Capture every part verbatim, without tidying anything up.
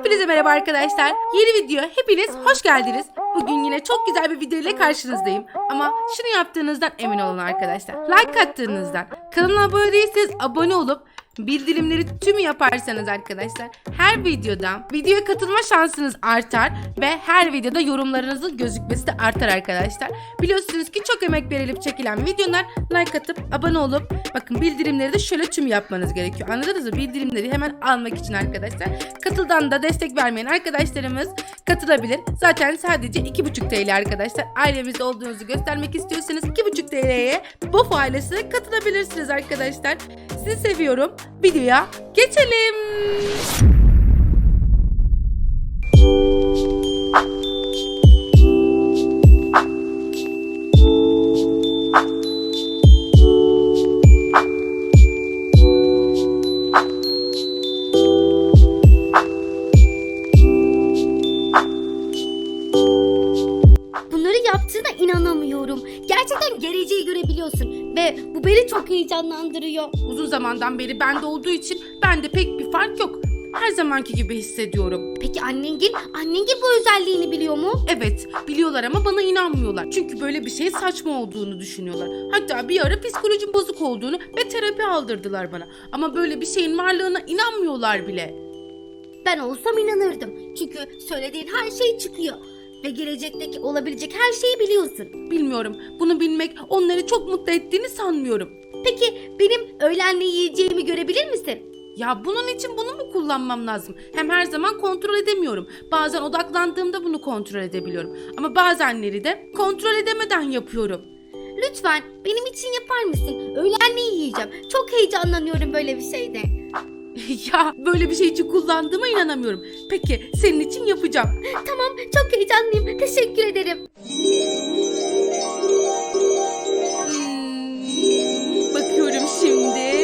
Hepinize merhaba arkadaşlar. Yeni video hepiniz hoş geldiniz. Bugün yine çok güzel bir video ile karşınızdayım. Ama şunu yaptığınızdan emin olun arkadaşlar. Like attığınızdan, kanala abone değilseniz abone olup bildirimleri tümü yaparsanız arkadaşlar her videoda videoya katılma şansınız artar ve her videoda yorumlarınızın gözükmesi de artar arkadaşlar. Biliyorsunuz ki çok emek verilip çekilen videolar, like atıp abone olup bakın bildirimleri de şöyle tüm yapmanız gerekiyor. Anladınız mı? Bildirimleri hemen almak için arkadaşlar. Katıldan da destek vermeyen arkadaşlarımız katılabilir. Zaten sadece iki buçuk T L arkadaşlar. Ailemizde olduğunuzu göstermek istiyorsanız iki buçuk T L'ye B O F ailesine katılabilirsiniz arkadaşlar. Sizi seviyorum. Videoya geçelim. Bunları yaptığına inanamıyorum. Gerçekten geleceği görebiliyorsun ve bu beni çok heyecanlandırıyor. Uzun zamandan beri bende olduğu için bende pek bir fark yok. Her zamanki gibi hissediyorum. Peki annengil, annengil bu özelliğini biliyor mu? Evet, biliyorlar ama bana inanmıyorlar. Çünkü böyle bir şey saçma olduğunu düşünüyorlar. Hatta bir ara psikolojim bozuk olduğunu ve terapi aldırdılar bana. Ama böyle bir şeyin varlığına inanmıyorlar bile. Ben olsam inanırdım. Çünkü söylediğin her şey çıkıyor. Ve gelecekteki olabilecek her şeyi biliyorsun. Bilmiyorum, bunu bilmek onları çok mutlu ettiğini sanmıyorum. Peki benim öğlen ne yiyeceğimi görebilir misin? Ya bunun için bunu mu kullanmam lazım? Hem her zaman kontrol edemiyorum. Bazen odaklandığımda bunu kontrol edebiliyorum. Ama bazenleri de kontrol edemeden yapıyorum. Lütfen benim için yapar mısın? Öğlen ne yiyeceğim? Çok heyecanlanıyorum böyle bir şeyde. Ya böyle bir şey için kullandığıma inanamıyorum. Peki senin için yapacağım. Tamam, çok heyecanlıyım. Teşekkür ederim. Hmm, bakıyorum şimdi.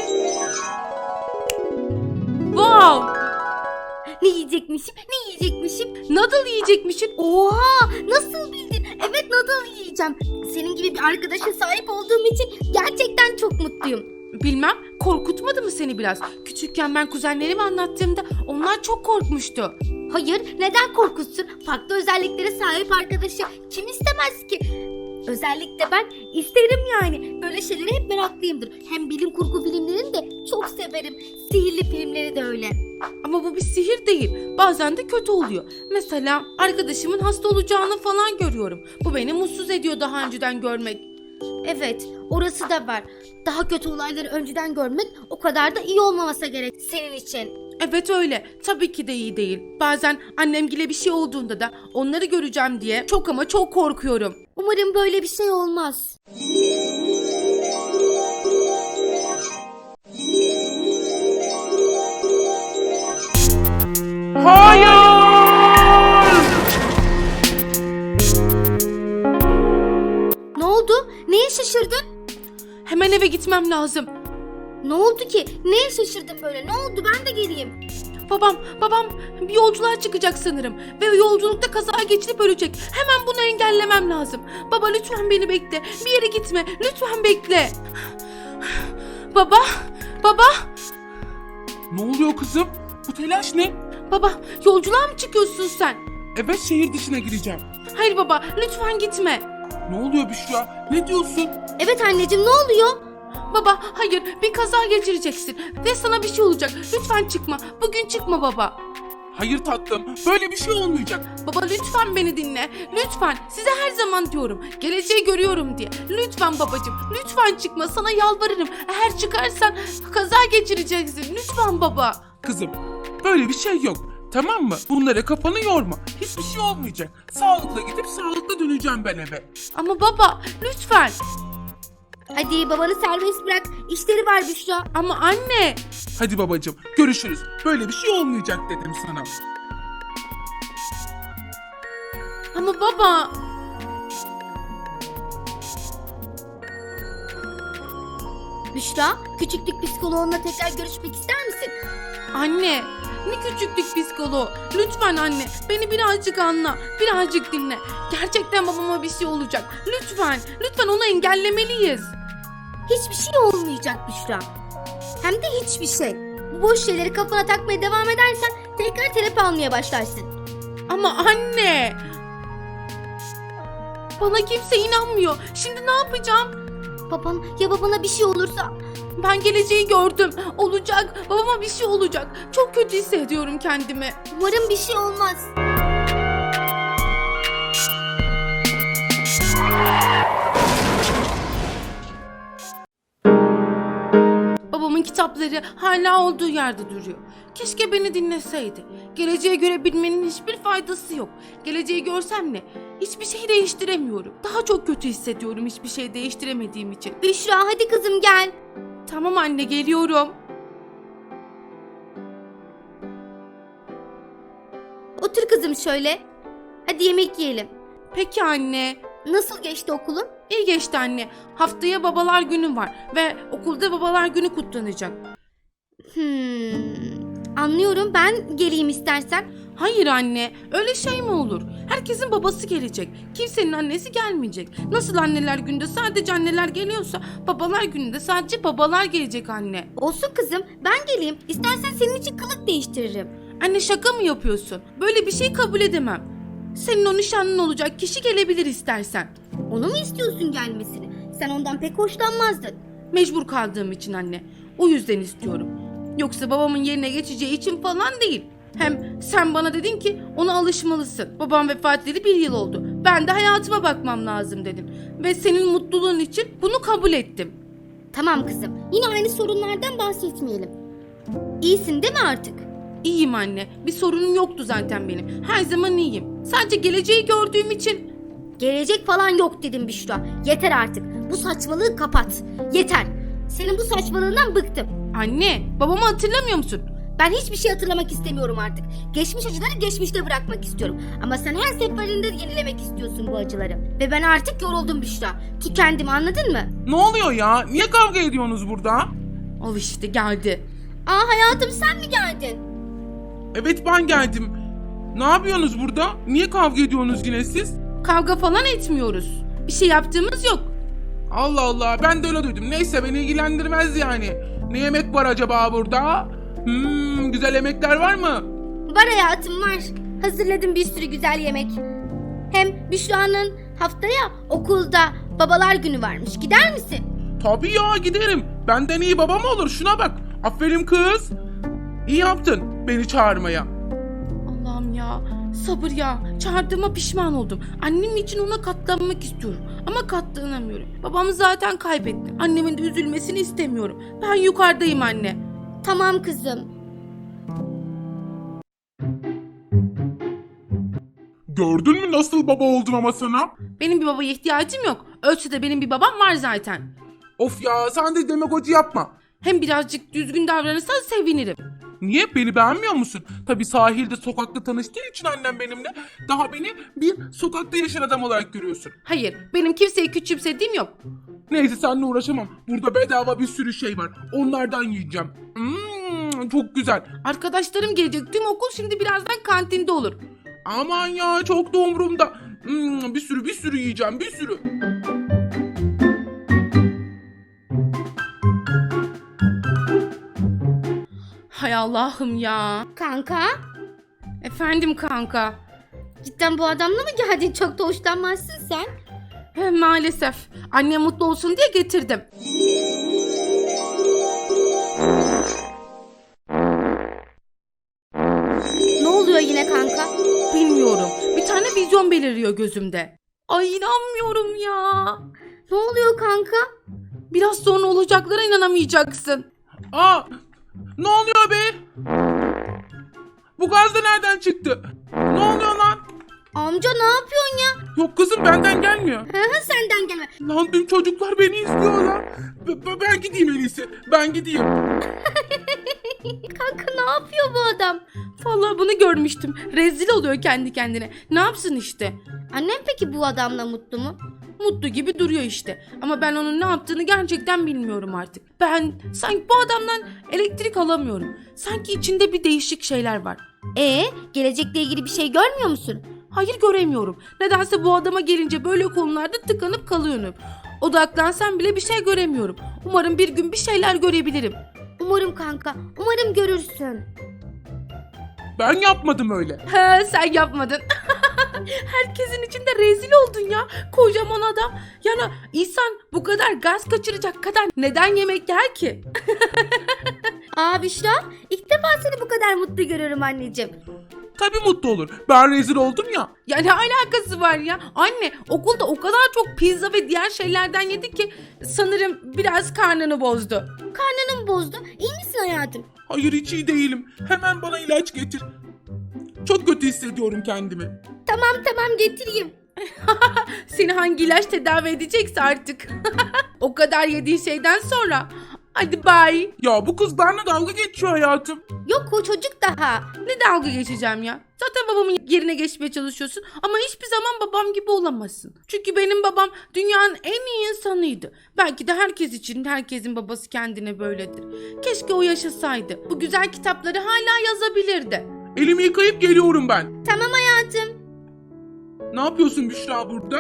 Wow! Ne yiyecekmişim? Ne yiyecekmişim? Noodle yiyecekmişsin. Oha! Nasıl bildin? Evet, noodle yiyeceğim. Senin gibi bir arkadaşa sahip olduğum için gerçekten çok mutluyum. Bilmem, korkutmadı mı seni biraz? Küçükken ben kuzenlerime anlattığımda onlar çok korkmuştu. Hayır, neden korkutsun? Farklı özelliklere sahip arkadaşı kim istemez ki? Özellikle ben isterim yani. Böyle şeylere hep meraklıyımdır. Hem bilim kurgu filmlerini de çok severim. Sihirli filmleri de öyle. Ama bu bir sihir değil. Bazen de kötü oluyor. Mesela arkadaşımın hasta olacağını falan görüyorum. Bu beni mutsuz ediyor daha önceden görmek. Evet, orası da var. Daha kötü olayları önceden görmek o kadar da iyi olmaması gerek senin için. Evet öyle. Tabii ki de iyi değil. Bazen annemgile bir şey olduğunda da onları göreceğim diye çok ama çok korkuyorum. Umarım böyle bir şey olmaz. Hayır! Ne oldu? Neye şaşırdın? Hemen eve gitmem lazım. Ne oldu ki? Neye şaşırdın böyle? Ne oldu? Ben de geleyim. Babam, babam bir yolculuğa çıkacak sanırım. Ve yolculukta kaza geçirip ölecek. Hemen bunu engellemem lazım. Baba lütfen beni bekle. Bir yere gitme. Lütfen bekle. Baba, baba, Ne oluyor kızım? Bu telaş ne? baba yolculuğa mı çıkıyorsun sen? Evet, şehir dışına gireceğim. Hayır baba lütfen gitme. Ne oluyor Büşra? Ne diyorsun? Evet anneciğim, ne oluyor? Baba hayır bir kaza geçireceksin. Ve sana bir şey olacak. Lütfen çıkma. Bugün çıkma baba. Hayır tatlım, böyle bir şey olmayacak. Baba lütfen beni dinle. Lütfen. Size her zaman diyorum. Geleceği görüyorum diye. Lütfen babacığım. Lütfen çıkma. Sana yalvarırım. Eğer çıkarsan kaza geçireceksin. Lütfen baba. Kızım, böyle bir şey yok. Tamam mı? Bunlara kafanı yorma. Hiçbir şey olmayacak. Sağlıkla gidip sağlıkla döneceğim ben eve. Ama baba lütfen. Hadi babanı serbest bırak. İşleri var Büşra. Ama anne. Hadi babacığım, görüşürüz. Böyle bir şey olmayacak dedim sana. Ama baba. Büşra, küçüklük psikoloğunla tekrar görüşmek ister misin? Anne. Ne küçüklük psikoloğu. Lütfen anne. Beni birazcık anla. Birazcık dinle. Gerçekten babama bir şey olacak. Lütfen. Lütfen onu engellemeliyiz. Hiçbir şey olmayacak Büşra. Hem de hiçbir şey. Bu boş şeyleri kafana takmaya devam edersen tekrar terapi almaya başlarsın. Ama anne. Bana kimse inanmıyor. Şimdi ne yapacağım? Baban, ya babana bir şey olursa? Ben geleceği gördüm. Olacak. Babama bir şey olacak. Çok kötü hissediyorum kendimi. Umarım bir şey olmaz. Babamın kitapları hala olduğu yerde duruyor. Keşke beni dinleseydi. Geleceğe göre bilmenin hiçbir faydası yok. Geleceği görsem ne? Hiçbir şey değiştiremiyorum. Daha çok kötü hissediyorum hiçbir şey değiştiremediğim için. Büşra, hadi kızım gel. Tamam anne, geliyorum. Otur kızım şöyle. Hadi yemek yiyelim. Peki anne. Nasıl geçti okulun? İyi geçti anne. Haftaya babalar günü var ve okulda babalar günü kutlanacak. Hmm, anlıyorum, ben geleyim istersen. Hayır anne, öyle şey mi olur? Herkesin babası gelecek. Kimsenin annesi gelmeyecek. Nasıl anneler günde sadece anneler geliyorsa babalar gününde sadece babalar gelecek anne. Olsun kızım, ben geleyim. İstersen senin için kılık değiştiririm. Anne, şaka mı yapıyorsun? Böyle bir şey kabul edemem. Senin o nişanlın olacak kişi gelebilir istersen. Onu mu istiyorsun gelmesini? Sen ondan pek hoşlanmazdın. Mecbur kaldığım için anne. O yüzden istiyorum. Yoksa babamın yerine geçeceği için falan değil. Hem sen bana dedin ki ona alışmalısın. Babam vefat edeli bir yıl oldu. Ben de hayatıma bakmam lazım dedim. Ve senin mutluluğun için bunu kabul ettim. Tamam kızım, yine aynı sorunlardan bahsetmeyelim. İyisin değil mi artık? İyiyim anne. Bir sorunum yoktu zaten benim. Her zaman iyiyim. Sadece geleceği gördüğüm için... Gelecek falan yok dedim Büşra. Yeter artık. Bu saçmalığı kapat. Yeter. Senin bu saçmalığından bıktım. Anne, babamı hatırlamıyor musun? Ben hiçbir şey hatırlamak istemiyorum artık. Geçmiş acıları geçmişte bırakmak istiyorum. Ama sen her seferinde yenilemek istiyorsun bu acıları. Ve ben artık yoruldum Büşra. Tükendim, anladın mı? Ne oluyor ya? Niye kavga ediyorsunuz burada? Al işte, geldi. Aa hayatım, sen mi geldin? Evet, ben geldim. Ne yapıyorsunuz burada? Niye kavga ediyorsunuz yine siz? Kavga falan etmiyoruz. Bir şey yaptığımız yok. Allah Allah, ben de öyle duydum. Neyse, beni ilgilendirmez yani. Ne yemek var acaba burada? Hmm, güzel yemekler var mı? Var hayatım, var. Hazırladım bir sürü güzel yemek. Hem Büşra'nın haftaya okulda babalar günü varmış. Gider misin? Tabii ya, giderim. Benden iyi baba mı olur? Şuna bak. Aferin kız. İyi yaptın beni çağırmaya. Allah'ım ya, sabır ya. Çağırdığıma pişman oldum. Annem için ona katlanmak istiyorum. Ama katlanamıyorum. Babamı zaten kaybettim. Annemin de üzülmesini istemiyorum. Ben yukarıdayım anne. Tamam kızım. Gördün mü nasıl baba oldum ama sana? Benim bir babaya ihtiyacım yok. Ölse de benim bir babam var zaten. Of ya, sen de demagoji yapma. Hem birazcık düzgün davranırsan sevinirim. Niye? Beni beğenmiyor musun? Tabii sahilde, sokakta tanıştığın için annem benimle daha beni bir sokakta yaşayan adam olarak görüyorsun. Hayır, benim kimseyi küçümsediğim yok. Neyse, seninle uğraşamam. Burada bedava bir sürü şey var. Onlardan yiyeceğim. Hmm, çok güzel. Arkadaşlarım gelecek. Tüm okul şimdi birazdan kantinde olur. Aman ya, çok da umurumda. Hmm, bir sürü bir sürü yiyeceğim, bir sürü. Hay Allah'ım ya. Kanka, Efendim kanka. cidden bu adamla mı geldin? Çok da hoşlanmazsın sen. He, maalesef. Annem mutlu olsun diye getirdim. Ne oluyor yine kanka? Bilmiyorum. Bir tane vizyon beliriyor gözümde. Ay, inanmıyorum ya. Ne oluyor kanka? Biraz sonra olacaklara inanamayacaksın. Aa, ne oluyor be? Bu gaz da nereden çıktı? Ne oluyor lan? Amca ne yapıyorsun ya? Yok kızım, benden gelmiyor. Hı hı, senden gelme. Lan dün çocuklar beni izliyorlar. B- b- ben gideyim en iyisi. Ben gideyim. Kanka ne yapıyor bu adam? Vallahi bunu görmüştüm. Rezil oluyor kendi kendine. Ne yapsın işte. Annem peki bu adamla mutlu mu? Mutlu gibi duruyor işte. Ama ben onun ne yaptığını gerçekten bilmiyorum artık. Ben sanki bu adamdan elektrik alamıyorum. Sanki içinde bir değişik şeyler var. Ee, gelecekle ilgili bir şey görmüyor musun? Hayır, göremiyorum. Nedense bu adama gelince böyle konularda tıkanıp kalıyorum. Odaklansam bile bir şey göremiyorum. Umarım bir gün bir şeyler görebilirim. Umarım kanka, umarım görürsün. Ben yapmadım öyle. He, sen yapmadın. Herkesin içinde rezil oldun ya. Kocaman adam. Yani insan bu kadar gaz kaçıracak kadar neden yemek yer ki? Aa Büşra, ilk defa seni bu kadar mutlu görüyorum anneciğim. Tabii mutlu olur. Ben rezil oldum ya. Ya ne alakası var ya? Anne okulda o kadar çok pizza ve diğer şeylerden yedi ki sanırım biraz karnını bozdu. Karnını mı bozdu? İyi misin hayatım? Hayır hiç iyi değilim. Hemen bana ilaç getir. Çok kötü hissediyorum kendimi. Tamam tamam getireyim. Seni hangi ilaç tedavi edecekse artık. O kadar yediğin şeyden sonra. Hadi bye. Ya bu kız benimle dalga geçiyor hayatım. Yok o çocuk daha. Ne dalga geçeceğim ya? Zaten babamın yerine geçmeye çalışıyorsun ama hiçbir zaman babam gibi olamazsın. Çünkü benim babam dünyanın en iyi insanıydı. Belki de herkes için herkesin babası kendine böyledir. Keşke o yaşasaydı. Bu güzel kitapları hala yazabilirdi. Elimi yıkayıp geliyorum ben. Tamam hayatım. Ne yapıyorsun Büşra burada?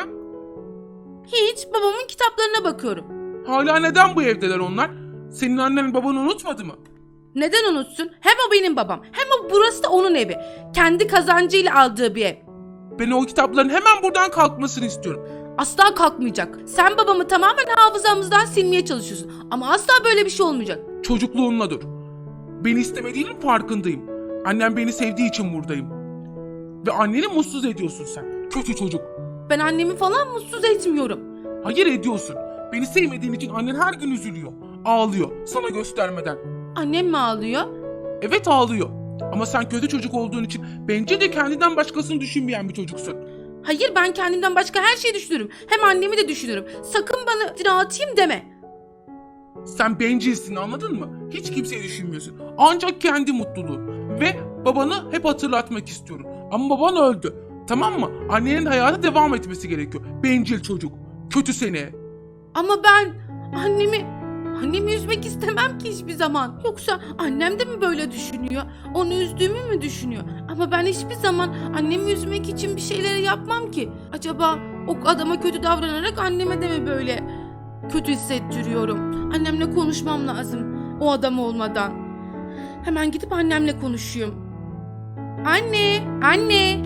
Hiç, babamın kitaplarına bakıyorum. Hala neden bu evdeler onlar? Senin annen babanı unutmadı mı? Neden unutsun? Hem o benim babam hem o burası da onun evi. Kendi kazancıyla aldığı bir ev. Ben o kitapların hemen buradan kalkmasını istiyorum. Asla kalkmayacak. Sen babamı tamamen hafızamızdan silmeye çalışıyorsun. Ama asla böyle bir şey olmayacak. Çocukluğunla dur. Beni istemediğinin farkındayım. Annem beni sevdiği için buradayım. Ve anneni mutsuz ediyorsun sen. Kötü çocuk. Ben annemi falan mutsuz etmiyorum. Hayır ediyorsun. Beni sevmediğin için annen her gün üzülüyor. Ağlıyor sana göstermeden. Annem mi ağlıyor? Evet ağlıyor. Ama sen kötü çocuk olduğun için bence de kendinden başkasını düşünmeyen bir çocuksun. Hayır, ben kendimden başka her şeyi düşünürüm. Hem annemi de düşünürüm. Sakın bana iftira atayım deme. Sen bencilsin anladın mı? Hiç kimseyi düşünmüyorsun. Ancak kendi mutluluğun. Ve babanı hep hatırlatmak istiyorum. Ama baban öldü. Tamam mı? Annenin hayata devam etmesi gerekiyor. Bencil çocuk. Kötü seni. Ama ben annemi... Annemi üzmek istemem ki hiçbir zaman. Yoksa annem de mi böyle düşünüyor? Onu üzdüğümü mü düşünüyor? Ama ben hiçbir zaman annemi üzmek için bir şeyleri yapmam ki. Acaba o adama kötü davranarak anneme de mi böyle kötü hissettiriyorum? Annemle konuşmam lazım o adam olmadan. Hemen gidip annemle konuşayım. Anne, anne.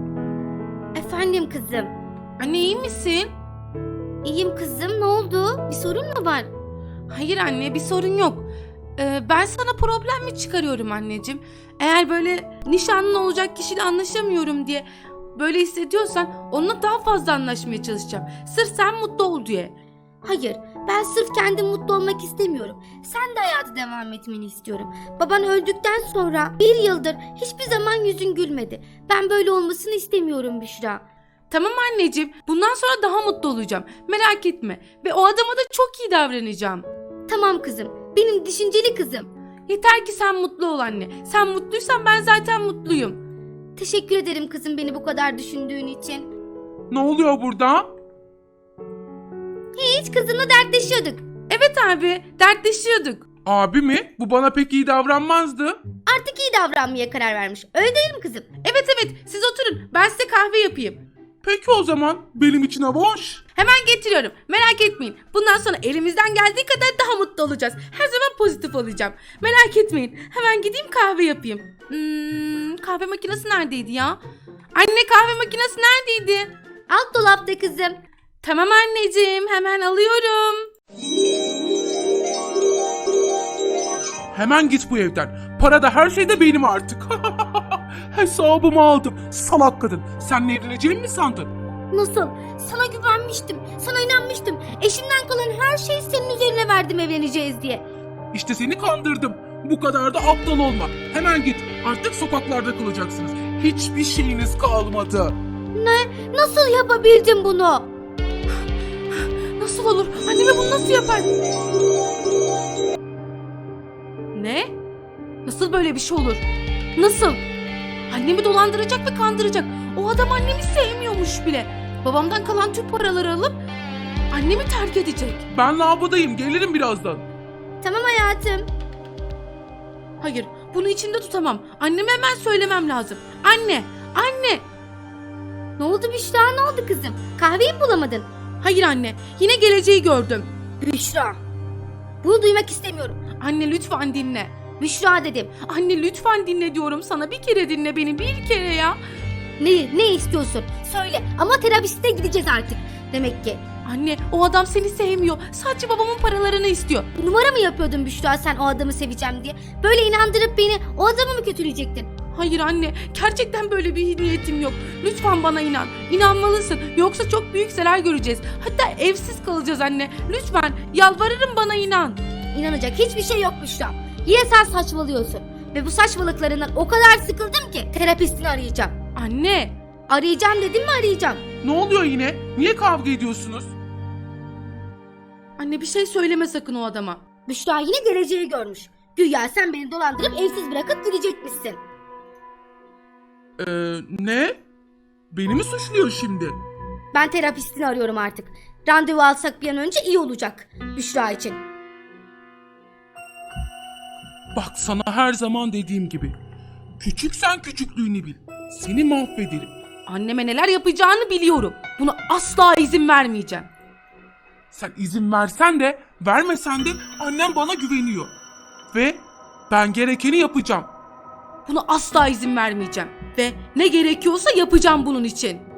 Efendim kızım. Anne iyi misin? İyiyim kızım, ne oldu? Bir sorun mu var? Hayır anne, bir sorun yok. Ee, ben sana problem mi çıkarıyorum anneciğim? Eğer böyle nişanlın olacak kişiyle anlaşamıyorum diye böyle hissediyorsan onunla daha fazla anlaşmaya çalışacağım. Sırf sen mutlu ol diye. Hayır, ben sırf kendim mutlu olmak istemiyorum. Sen de hayatı devam etmeni istiyorum. Baban öldükten sonra bir yıldır hiçbir zaman yüzün gülmedi. Ben böyle olmasını istemiyorum Büşra. Tamam anneciğim, bundan sonra daha mutlu olacağım. Merak etme. Ve o adama da çok iyi davranacağım. Tamam kızım, benim düşünceli kızım. Yeter ki sen mutlu ol anne. Sen mutluysan ben zaten mutluyum. Teşekkür ederim kızım beni bu kadar düşündüğün için. Ne oluyor burada? Hiç kızımla dertleşiyorduk. Evet abi, dertleşiyorduk. Abi mi? Bu bana pek iyi davranmazdı. Artık iyi davranmaya karar vermiş. Öyle değil mi kızım? Evet evet, siz oturun. Ben size kahve yapayım. Peki o zaman benim için hava hoş. Hemen getiriyorum. Merak etmeyin. Bundan sonra elimizden geldiği kadar daha mutlu olacağız. Her zaman pozitif olacağım. Merak etmeyin. Hemen gideyim kahve yapayım. Hmm, kahve makinesi neredeydi ya? Anne, kahve makinesi neredeydi? Alt dolapta kızım. Tamam anneciğim, hemen alıyorum. Hemen git bu evden. Para da her şey de benim artık. Hesabımı aldım. Salak kadın. Senle evleneceğimi mi sandın? Nasıl? Sana güvenmiştim. Sana inanmıştım. Eşimden kalan her şeyi senin üzerine verdim evleneceğiz diye. İşte seni kandırdım. Bu kadar da aptal olma. Hemen git. Artık sokaklarda kalacaksınız. Hiçbir şeyiniz kalmadı. Ne? Nasıl yapabildin bunu? Nasıl olur? Anneme bunu nasıl yapar? Ne? Nasıl böyle bir şey olur? Nasıl? Annemi dolandıracak ve kandıracak. O adam annemi sevmiyormuş bile. Babamdan kalan tüm paraları alıp annemi terk edecek. Ben lavabodayım. Gelirim birazdan. Tamam hayatım. Hayır, bunu içimde tutamam. Anneme hemen söylemem lazım. Anne, anne. Ne oldu Büşra? Ne oldu kızım? Kahveyi mi bulamadın? Hayır anne, yine geleceği gördüm. Büşra. Bunu duymak istemiyorum. Anne lütfen dinle. Büşra dedim. Anne lütfen dinle diyorum sana. Bir kere dinle beni, bir kere ya. Ne, ne istiyorsun? Söyle ama terapiste gideceğiz artık. Demek ki. Anne o adam seni sevmiyor. Sadece babamın paralarını istiyor. Numara mı yapıyordun Büşra sen o adamı seveceğim diye? Böyle inandırıp beni o adamı mı kötüleyecektin? Hayır anne, gerçekten böyle bir niyetim yok. Lütfen bana inan. İnanmalısın. Yoksa çok büyük zarar göreceğiz. Hatta evsiz kalacağız anne. Lütfen yalvarırım, bana inan. İnanacak hiçbir şey yok Büşra. Yine sen saçmalıyorsun. Ve bu saçmalıklarından o kadar sıkıldım ki terapistini arayacağım. Anne. Arayacağım dedim mi arayacağım. Ne oluyor yine? Niye kavga ediyorsunuz? Anne bir şey söyleme sakın o adama. Büşra yine geleceği görmüş. Güya sen beni dolandırıp evsiz bırakıp gidecekmişsin. Ee, ne? Beni mi suçluyor şimdi? Ben terapistini arıyorum artık. Randevu alsak bir an önce iyi olacak Büşra için. Bak sana her zaman dediğim gibi. Küçüksen küçüklüğünü bil. Seni mahvederim. Anneme neler yapacağını biliyorum. Buna asla izin vermeyeceğim. Sen izin versen de vermesen de annem bana güveniyor. Ve ben gerekeni yapacağım. Buna asla izin vermeyeceğim. Ve ne gerekiyorsa yapacağım bunun için.